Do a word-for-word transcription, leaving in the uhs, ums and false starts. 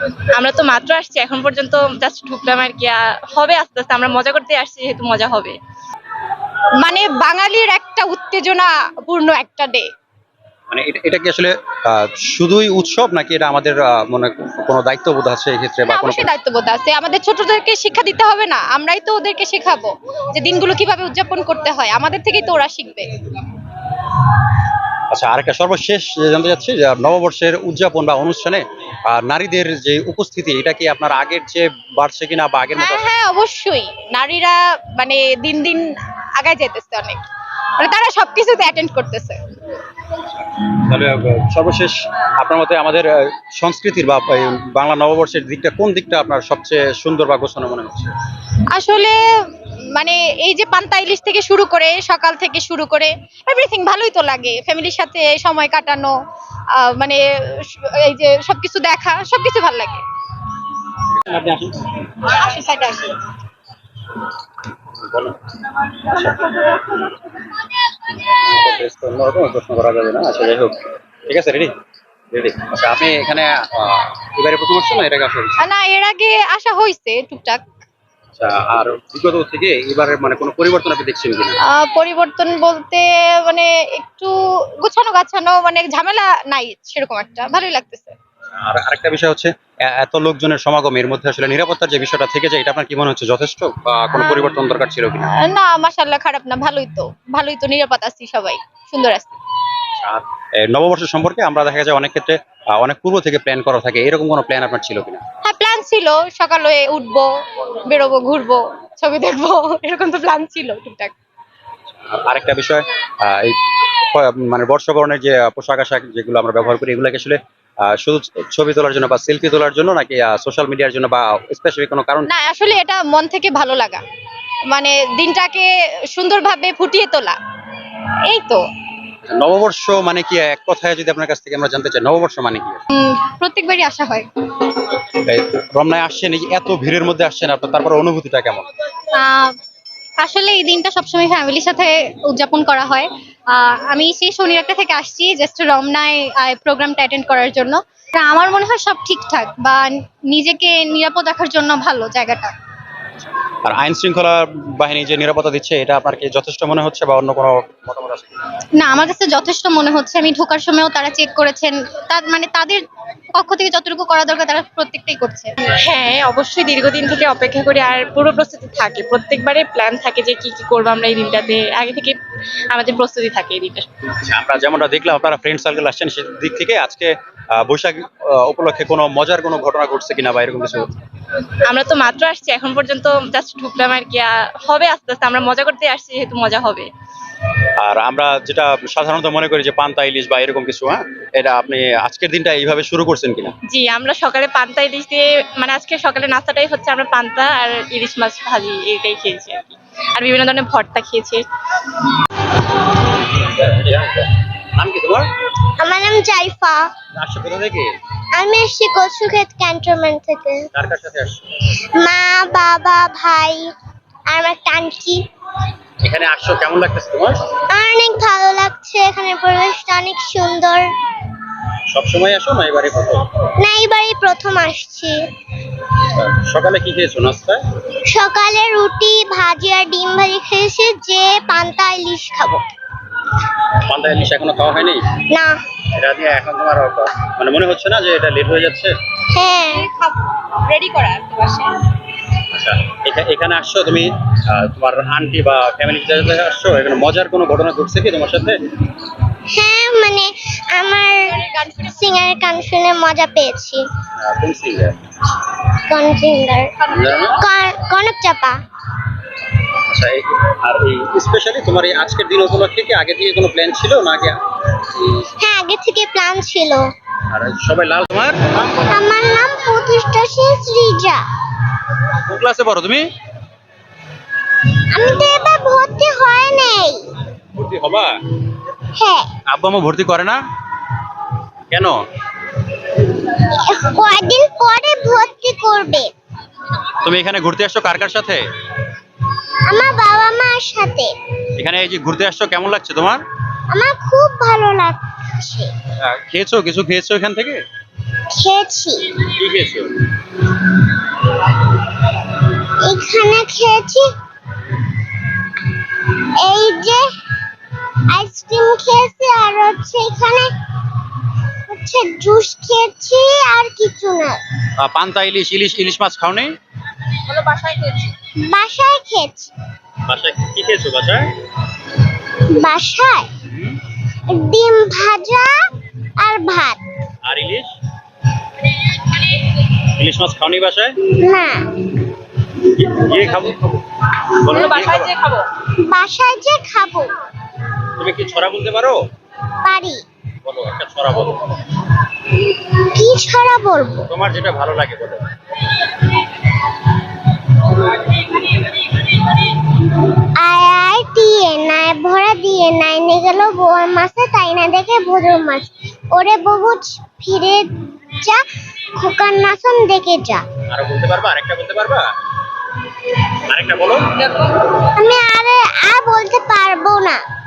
আমরা তো মাত্র আসছি, এখন পর্যন্ত জাস্ট ঢুকলাম আর কি। আহ, হবে আস্তে আস্তে, আমরা মজা করতে আসছি যেহেতু মজা হবে। মানে বাঙালির একটা উত্তেজনাপূর্ণ একটা ডে। মানে এটা এটা কি আসলে আহ, শুধুই উৎসব নাকি এটা আমাদের আহ, মনে কোনো দায়িত্ববোধ আছে এই ক্ষেত্রে বা হ্যাঁ, কোনো অবশ্যই দায়িত্ববোধ আছে। আমাদের ছোটদেরকে শিক্ষা দিতে হবে না? আমরাই তো ওদেরকে শেখাবো যে দিনগুলো কিভাবে উদযাপন করতে হয়। আমাদের থেকেই তো ওরা শিখবে। আচ্ছা, আরেকটা সর্বশেষ যে জানতে চাচ্ছি যে নববর্ষের উদযাপন বা অনুষ্ঠানে আহ, নারীদের যে উপস্থিতি এটা কি আপনার আগের চেয়ে বাড়ছে কিনা বা আগের মতো হ্যাঁ আছে? হ্যাঁ, অবশ্যই। নারীরা মানে দিন দিন আগায় যেতেছে অনেক। মানে তারা সবকিছুতে অ্যাটেন্ড করতেছে। তাহলে আহ, সর্বশেষ আপনার মতে আমাদের আহ, সংস্কৃতির বা এই বাংলা নববর্ষের দিকটা কোন দিকটা আপনার সবচেয়ে সুন্দর বা গোছানো মনে হচ্ছে? আসলে মানে এই যে পান্তা ইলিশ থেকে শুরু করে সকাল থেকে শুরু করে এভরিথিং ভালোই তো লাগে। ফ্যামিলির সাথে সময় কাটানো, আহ, মানে এই যে সবকিছু দেখা, সবকিছু ভালো লাগে। আপনি আসেন। আসি সাইডে আসি। বলেন। তো অন্যরকম প্রশ্ন করা যাবে না, আচ্ছা যাই হোক, ঠিক আছে, রেডি রেডি আচ্ছা, আপনি এখানে আহ, এবারে প্রথম আসছেন না এটাকে আসলে? আহ, না, এর আগে আসা হয়েছে টুকটাক। আচ্ছা, আর বিগত থেকে এবারে মানে কোনো পরিবর্তন আপনি দেখছেন কিনা? আহ, পরিবর্তন বলতে মানে একটু গোছানো গাছানো, মানে ঝামেলা নাই সেরকম একটা, ভালোই লাগতেছে। আর আরেকটা বিষয় হচ্ছে এ- এত লোকজনের সমাগম এর মধ্যে আসলে নিরাপত্তার যে বিষয়টা থেকে যায় এটা আপনার কি মনে হচ্ছে যথেষ্ট বা কোনো পরিবর্তন দরকার ছিল কিনা? আহ, না, মাশাআল্লাহ, খারাপ না, ভালোই তো। ভালোই তো, নিরাপদ আছি, সবাই সুন্দর আছি। আর এ, নববর্ষ সম্পর্কে আমরা দেখা যায় অনেক ক্ষেত্রে আহ, অনেক পূর্ব থেকে প্ল্যান করা থাকে, এরকম কোনো প্ল্যান আপনার ছিল কিনা? হ্যাঁ, প্ল্যান ছিল সকালে উঠবো, বেরোবো, ঘুরবো, ছবি দেখবো, এরকম তো প্ল্যান ছিল টুকটাক। আর আরেকটা বিষয়, আহ, এই প- মানে বর্ষবরণের যে আহ, পোশাক আশাক যেগুলো আমরা ব্যবহার করি এগুলোকে আসলে আহ, শুধু ছবি তোলার জন্য বা সেলফি তোলার জন্য নাকি সোশ্যাল মিডিয়ার জন্য বা স্পেসিফিক কোনো কারণ? না, আসলে এটা মন থেকে ভালো লাগা, মানে দিনটাকে সুন্দরভাবে ফুটিয়ে তোলা, এই তো। নববর্ষ মানে কি, এক কথায় যদি আপনার কাছ থেকে আমরা জানতে চাই নববর্ষ মানে কি? প্রত্যেকবারই আসা হয়। এই রমনায় আসছেন, এই যে এত ভিড়ের মধ্যে আসছেন আপনার, তারপর অনুভূতিটা কেমন? আহ, আসলে এই দিনটা সবসময় ফ্যামিলির সাথে উদযাপন করা হয়। আহ, আমি সেই শনি একটা থেকে আসছি জাস্ট রমনায় প্রোগ্রামটা অ্যাটেন্ড করার জন্য। তা আমার মনে হয় সব ঠিকঠাক, বা নিজেকে নিরাপদ রাখার জন্য ভালো জায়গাটা। আর আইন শৃঙ্খলা বাহিনী যে নিরাপত্তা দিচ্ছে এটা আপনার কি যথেষ্ট মনে হচ্ছে বা অন্য কোনো মতামত আছে? না, আমার কাছে যথেষ্ট মনে হচ্ছে। আমি ঢোকার সময়ও তারা চেক করেছেন। তার মানে তাদের পক্ষ থেকে যতটুকু করা দরকার তারা প্রত্যেকটাই করছে। হ্যাঁ, অবশ্যই দীর্ঘদিন থেকে অপেক্ষা করি আর পুরো প্রস্তুতি থাকে। প্রত্যেকবারে প্ল্যান থাকে যে কি কি করবো আমরা এই দিনটাতে, আগে থেকে আমাদের প্রস্তুতি থাকে এই দিনটা। আচ্ছা, আমরা যেমনটা দেখলাম আপনারা ফ্রেন্ড সার্কেল আসছেন সেদিক থেকে আজকে আহ, বৈশাখ আহ, উপলক্ষে কোনো মজার কোনো ঘটনা ঘটছে কিনা বা এরকম কিছু? আমরা তো মাত্র আসছি, এখন পর্যন্ত জাস্ট ঢুকলাম আর কি। আহ, হবে আস্তে আস্তে, আমরা মজা করতে আসছি যেহেতু মজা হবে। আর আমরা যেটা সাধারণত মনে করি যে পান্তা ইলিশ বা এরকম কিছু, হ্যাঁ, এটা আপনি আজকের দিনটা এইভাবে শুরু করছেন কিনা? জি, আমরা সকালে পান্তা ইলিশ দিয়ে, মানে আজকে সকালে নাস্তাটাই হচ্ছে আমরা পান্তা আর ইলিশ মাছ ভাজি এইটাই খেয়েছি আর কি। আর বিভিন্ন ধরনের ভর্তা খেয়েছি। নাম কি তোমার? আমার নাম জাইফা। আসছো কোথা থেকে? আমি এসেছি কচুক্ষেত ক্যান্টনমেন্ট থেকে। কার কার সাথে আসছো? মা, বাবা, ভাই আর আমার একটা আন্টি। এখানে আসছো, কেমন লাগতেছে তোমার? অনেক ভালো লাগছে, এখানে পরিবেশটা অনেক সুন্দর। সবসময় আসো না এবারে প্রথম? না, এইবারই প্রথম আসছি। সকালে কি খেয়েছো নাস্তায়? সকালে রুটি, ভাজি আর ডিম ভাজি খেয়েছি, যে পান্তা ইলিশ খাবো। পান্তা ইলিশ এখনো খাওয়া হয়নি? না। এটা দিয়ে এখন তোমার মানে মনে হচ্ছে না যে এটা লেট হয়ে যাচ্ছে? হ্যাঁ। রেডি করা বাসে। আচ্ছা, এখা- এখানে আসছো তুমি, আহ, তোমার আন্টি বা ফ্যামিলির সাথে আসছো, এখানে মজার কোনো ঘটনা ঘটছে কি তোমার সাথে? হ্যাঁ, মানে আমার সিঙ্গারের গান শুনে মজা পেয়েছি। আহ, কোন সিঙ্গার? কোন সিঙ্গার? জানো না? কনক চাপা। আচ্ছা, এই- আর এই স্পেশালি তোমার এই আজকের দিন উপলক্ষে কি আগে থেকে কোনো প্ল্যান ছিল না আগে? হ্যাঁ, আগে থেকে প্ল্যান ছিল। আর সবাই লাল তোমার? আমার নাম প্রতিষ্ঠা শেষ রিজা। কোন ক্লাসে পড়ো তুমি? আমি তো এবার ভর্তি হয় নাই। ভর্তি হবা? হ্যাঁ। আব্বু আম্মু ভর্তি করে না কেন? কয়দিন পরে ভর্তি করবে। তুমি এখানে ঘুরতে আসছো কার কার সাথে? আমার বাবা মার সাথে। এখানে এই যে ঘুরতে আসছো, কেমন লাগছে তোমার? আমার খুব ভালো লাগছে। আহ, খেয়েছো, কিছু খেয়েছো এখান থেকে? খেয়েছি। কি খেয়েছো? এখানে খেয়েছি এই যে আইসক্রিম খেয়েছি, আর হচ্ছে এখানে হচ্ছে জুস খেয়েছি, আর কিছু না। আহ, পান্তা ইলিশ ইলিশ ইলিশ মাছ খাওনি? বলো বাসায় খেয়েছি। বাসায় খেয়েছি। বাসায় কি খেয়েছো বাসায়? বাসায় ডিম ভাজা আর ভাত। আর ইলিশ ইলিশ মাছ খাওনি বাসায়? না, গিয়ে খাবো। বলো বলো গিয়ে বাসায় খাবো। যে খাবো। বাসায় যে খাবো। তুমি কি ছড়া বলতে পারো? পারি। বলো একটা ছড়া বলো। কি ছড়া বলবো? তোমার যেটা ভালো লাগে বলো। আয় আয় টিয়ে নাই ভরা দিয়ে নাই নে গেল বোয়ার মাছে, তাই না দেখে ভোজর মাছ। ওরে বহু ফিরে যা, খোকার নাচন দেখে যা। আরো বলতে পারবা? আরেকটা বলতে পারবা? আরেকটা বলো। দেখো আমি আরে আর বলতে পারবো না।